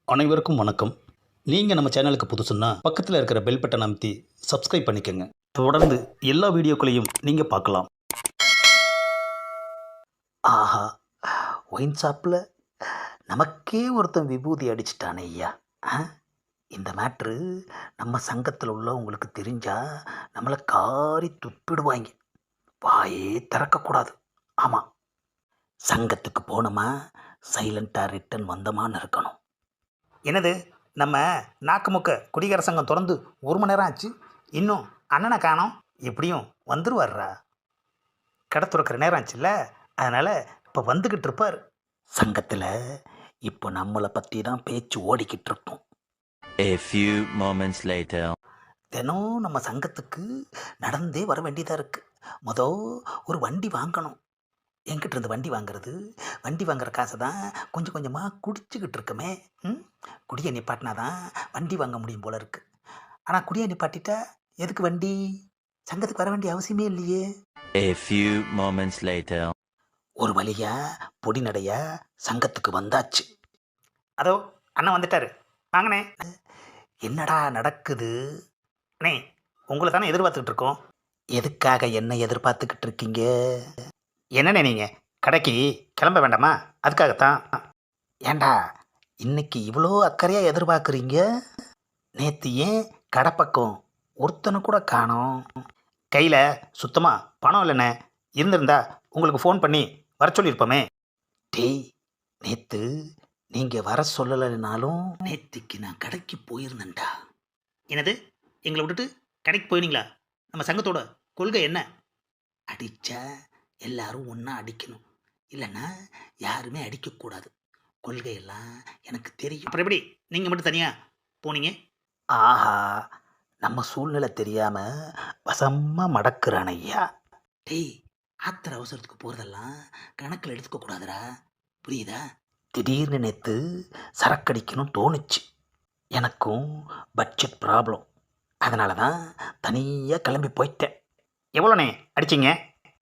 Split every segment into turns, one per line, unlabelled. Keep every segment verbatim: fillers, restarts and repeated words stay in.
அனைவருக்கும் வணக்கம். நீங்கள் நம்ம சேனலுக்கு புதுசுன்னா பக்கத்தில் இருக்கிற பெல் பட்டன் அமைத்தி சப்ஸ்கிரைப் பண்ணிக்கோங்க. தொடர்ந்து எல்லா வீடியோக்களையும் நீங்கள் பார்க்கலாம். ஆஹா, ஒயின் ஷாப்பில் நமக்கே ஒருத்தன் விபூதி அடிச்சிட்டானே ஐயா. ஆ, இந்த மேட்ரு நம்ம சங்கத்தில் உள்ளவங்களுக்கு தெரிஞ்சால் நம்மளை காரி துப்பிடுவாங்க. வாயே திறக்கக்கூடாது. ஆமாம், சங்கத்துக்கு போனோமா சைலண்ட்டாக ரிட்டன் வந்தோமான்னு இருக்கணும். என்னது, நம்ம நாக்குமுக்க குடிகார சங்கம் திறந்து ஒரு மணி நேரம் ஆச்சு, இன்னும் அண்ணனை காணோம். எப்படியும் வந்துருவார்ரா, கடை துறக்கிற நேரம் ஆச்சுல்ல, அதனால் இப்போ வந்துக்கிட்டு இருப்பார். சங்கத்தில் இப்போ நம்மளை பற்றி தான் பேச்சு ஓடிக்கிட்டு இருக்கோம்.
A few moments later.
தினம் நம்ம சங்கத்துக்கு நடந்தே வர வேண்டியதாக இருக்குது. மொதல் ஒரு வண்டி வாங்கணும். என்கிட்ட இருந்து வண்டி வாங்குறது, வண்டி வாங்குற காசை தான் கொஞ்சம் கொஞ்சமாக குடிச்சிக்கிட்டு இருக்கமே. ம் குடியை நிப்பாட்டினா தான் வண்டி வாங்க முடியும் போல இருக்குது. ஆனால் குடியை நிப்பாட்டிட்டா எதுக்கு வண்டி? சங்கத்துக்கு வர வேண்டிய அவசியமே இல்லையே.
A few moments later.
ஒரு வழியா பொடி நடையா சங்கத்துக்கு வந்தாச்சு. அதோ அண்ணன் வந்துட்டாரு, வாங்கண்ணே. என்னடா நடக்குது அண்ணே? உங்களை தானே எதிர்பார்த்துக்கிட்டு இருக்கோம். எதுக்காக என்ன எதிர்பார்த்துக்கிட்டு இருக்கீங்க? என்னண்ணே நீங்கள் கடைக்கு கிளம்ப வேண்டாமா? அதுக்காகத்தான். ஏண்டா இன்னைக்கு இவ்வளோ அக்கறையாக எதிர்பார்க்குறீங்க? நேற்று ஏன் கடை பக்கம் ஒருத்தனை கூட காணோம்? கையில் சுத்தமாக பணம் இல்லைண்ணே. இருந்திருந்தா உங்களுக்கு ஃபோன் பண்ணி வர சொல்லியிருப்போமே. டேய், நேற்று நீங்கள் வர சொல்லலைனாலும் நேற்றுக்கு நான் கடைக்கு போயிருந்தேன்டா. என்னது, எங்களை விட்டுட்டு கடைக்கு போயிருந்தீங்களா? நம்ம சங்கத்தோட கொள்கை என்ன? அடித்தா எல்லாரும் ஒன்றா அடிக்கணும், இல்லைன்னா யாருமே அடிக்கக்கூடாது. கொள்கையெல்லாம் எனக்கு தெரியும். அப்புறம் எப்படி நீங்கள் மட்டும் தனியாக போனீங்க? ஆஹா, நம்ம சூழ்நிலை தெரியாமல் வசமாக மடக்குறான் ஐயா. டேய், ஆத்திர அவசரத்துக்கு போகிறதெல்லாம் கணக்கில் எடுத்துக்கக்கூடாதுடா, புரியுதா? திடீர்னு நேற்று சரக்கடிக்கணும் தோணுச்சு. எனக்கும் பட்ஜெட் ப்ராப்ளம், அதனால தான் தனியாக கிளம்பி போயிட்டேன். எவ்வளோண்ணே அடிச்சிங்க?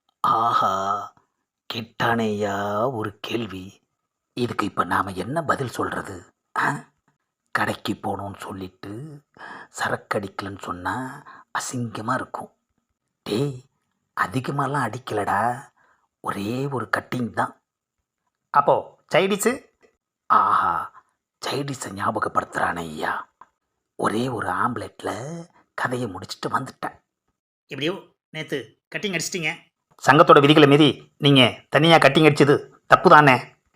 ஆஹா, கேட்டானேயா ஒரு கேள்வி. இதுக்கு இப்போ நாம் என்ன பதில் சொல்கிறது? ஆ, கடைக்கு போகணுன்னு சொல்லிட்டு சரக்கடிக்கலன்னு சொன்னால் அசிங்கமாக இருக்கும். டேய், அதிகமாகலாம் அடிக்கலடா, ஒரே ஒரு கட்டிங் தான். அப்போது சைடிஸு? ஆஹா, சைடிஸை ஞாபகப்படுத்துகிறானே ஐயா. ஒரே ஒரு ஆம்லெட்டில் கதையை முடிச்சுட்டு வந்துட்டேன். எப்படியோ நேற்று கட்டிங் அடிச்சிட்டிங்க. சங்கத்தோட விதிகளை மீறி நீங்கள் தனியாக கட்டிங் அடிச்சது தப்பு தானே?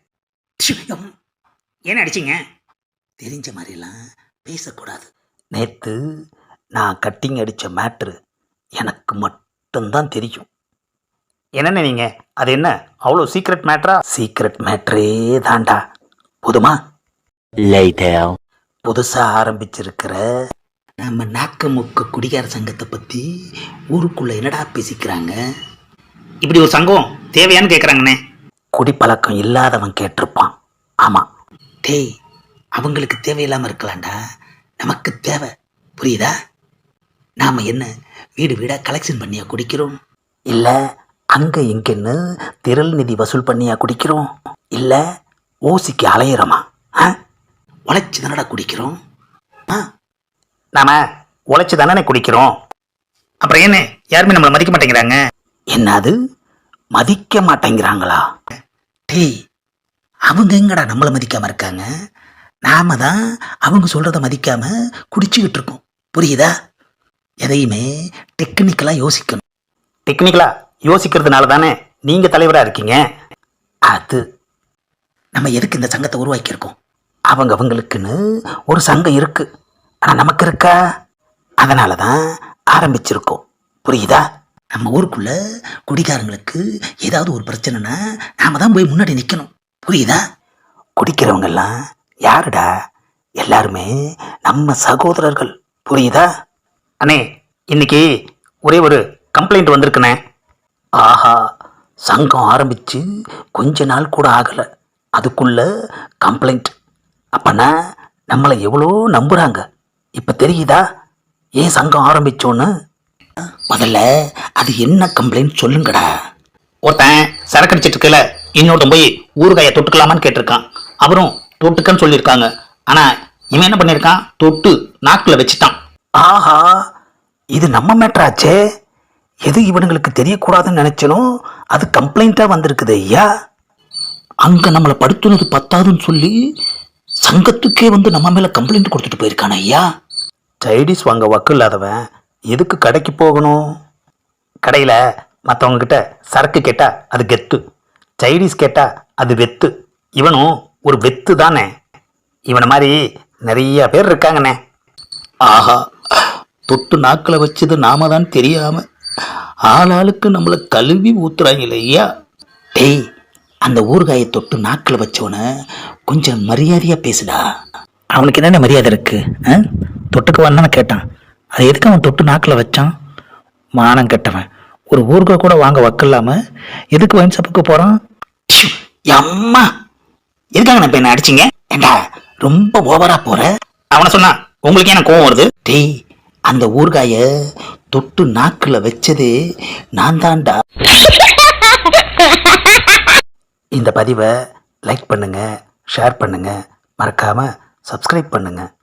ஏன் அடிச்சிங்க? தெரிஞ்ச மாதிரிலாம் பேசக்கூடாது. நேற்று நான் கட்டிங் அடித்த மேட்ரு எனக்கு மட்டும்தான் தெரியும். என்னென்ன நீங்கள், அது என்ன அவ்வளோ சீக்ரெட் மேட்ரா? சீக்ரெட் மேட்ரே தாண்டா. போதுமா?
Later.
புதுசாக ஆரம்பிச்சிருக்கிற நம்ம நாக்க முக்க குடிகார சங்கத்தை பற்றி ஊருக்குள்ளே என்னடா பேசிக்கிறாங்க? இப்படி ஒரு சங்கம் தேவையான்னு கேட்குறாங்கண்ணே. குடிப்பழக்கம் இல்லாதவன் கேட்டிருப்பான். ஆமாம். டேய், அவங்களுக்கு தேவையில்லாமல் இருக்கலாம்டா, நமக்கு தேவை, புரியுதா? நாம் என்ன வீடு வீடாக கலெக்ஷன் பண்ணியா குடிக்கிறோம்? இல்லை அங்கே இங்கேன்னு திரள் நிதி வசூல் பண்ணியா குடிக்கிறோம்? இல்லை ஓசிக்கு அலையிறோமா? ஆ, உழைச்சி தானடா குடிக்கிறோம். ஆ, நாம் உழைச்சி தானே குடிக்கிறோம். அப்புறம் என்ன யாருமே நம்மளை மதிக்க மாட்டேங்கிறாங்க? என்னது, மதிக்க மாட்டேங்கிறாங்களா? டேய், அவங்க எங்கடா நம்மளை மதிக்காமல் இருக்காங்க? நாம தான் அவங்க சொல்கிறத மதிக்காமல் குடிச்சிக்கிட்டு இருக்கோம், புரியுதா? எதையுமே டெக்னிக்கலாக யோசிக்கணும். டெக்னிக்கலாக யோசிக்கிறதுனால தானே நீங்கள் தலைவராக இருக்கீங்க. அது நம்ம எதுக்கு இந்த சங்கத்தை உருவாக்கியிருக்கோம்? அவங்க அவங்களுக்குன்னு ஒரு சங்கம் இருக்குது, ஆனால் நமக்கு இருக்கா? அதனால தான் ஆரம்பிச்சிருக்கோம், புரியுதா? நம்ம ஊருக்குள்ளே குடிக்காரங்களுக்கு ஏதாவது ஒரு பிரச்சனைனா நாம் தான் போய் முன்னாடி நிற்கணும், புரியுதா? குடிக்கிறவங்கெல்லாம் யாருடா? எல்லாருமே நம்ம சகோதரர்கள், புரியுதா? அண்ணே, இன்னைக்கு ஒரே ஒரு கம்ப்ளைண்ட் வந்திருக்குண்ணே. ஆஹா, சங்கம் ஆரம்பித்து கொஞ்ச நாள் கூட ஆகலை, அதுக்குள்ள கம்ப்ளைண்ட். அப்போனா நம்மளை எவ்வளோ நம்புகிறாங்க. இப்போ தெரியுதா ஏன் சங்கம் ஆரம்பித்தோன்னு? முதல்ல அது என்ன கம்ப்ளைண்ட் சொல்லுங்கடா. ஒருத்தன் சரக்கு அடிச்சிட்டு இருக்கல, இன்னொருத்தன் போய் ஊறுகாயை தொட்டுக்கலாமான்னு கேட்டிருக்கான். அவரும் தொட்டுக்கன்னு சொல்லியிருக்காங்க. ஆனால் இவன் என்ன பண்ணியிருக்கான், தொட்டு நாக்கில் வச்சுட்டான். ஆஹா, இது நம்ம மேட்ராச்சே. எது இவனுங்களுக்கு தெரியக்கூடாதுன்னு நினைச்சனும் அது கம்ப்ளைண்ட்டாக வந்திருக்குது ஐயா. அங்கே நம்மளை படுத்துனது பத்தாதுன்னு சொல்லி சங்கத்துக்கே வந்து நம்ம மேலே கம்ப்ளைண்ட் கொடுத்துட்டு போயிருக்கான ஐயா. சைடிஸ் வாங்க வக்கு இல்லாதவன் எதுக்கு கடைக்கு போகணும்? கடையில் மற்றவங்கக்கிட்ட சரக்கு கேட்டால் அது கெத்து, சைடிஸ் கேட்டால் அது வெத்து. இவனும் ஒரு வெத்து தானே. இவனை மாதிரி நிறைய பேர் இருக்காங்கண்ணே. ஆஹா, தொட்டு நாக்கில் வச்சது நாம தான் தெரியாமல் ஆளாளுக்கு நம்மளை கழுவி ஊத்துறாங்க ஐயா. டேய், அந்த ஊறுகாயை தொட்டு நாக்கில் வச்சவனை கொஞ்சம் மரியாதையாக பேசுடா. அவனுக்கு என்னென்ன மரியாதை இருக்கு? தொட்டுக்கு வந்தானே கேட்டான், அது எதுக்கு அவன் தொட்டு நாக்கில் வச்சான்? மானம் கெட்டவன், ஒரு ஊறுகாய் கூட வாங்க வக்கில்லாம எதுக்கு வைன் ஷாப்புக்கு போகிறான்? அம்மா, எதுக்காக நான் என்ன அடிச்சிங்க? ஏண்டா ரொம்ப ஓவரா போற. அவனை சொன்னா உங்களுக்கு என்ன கோவம் வருது? டேய், அந்த ஊறுகாய தொட்டு நாக்கில் வச்சது நான் தான்டா. இந்த பதிவை லைக் பண்ணுங்க, ஷேர் பண்ணுங்க, மறக்காம சப்ஸ்கிரைப் பண்ணுங்க.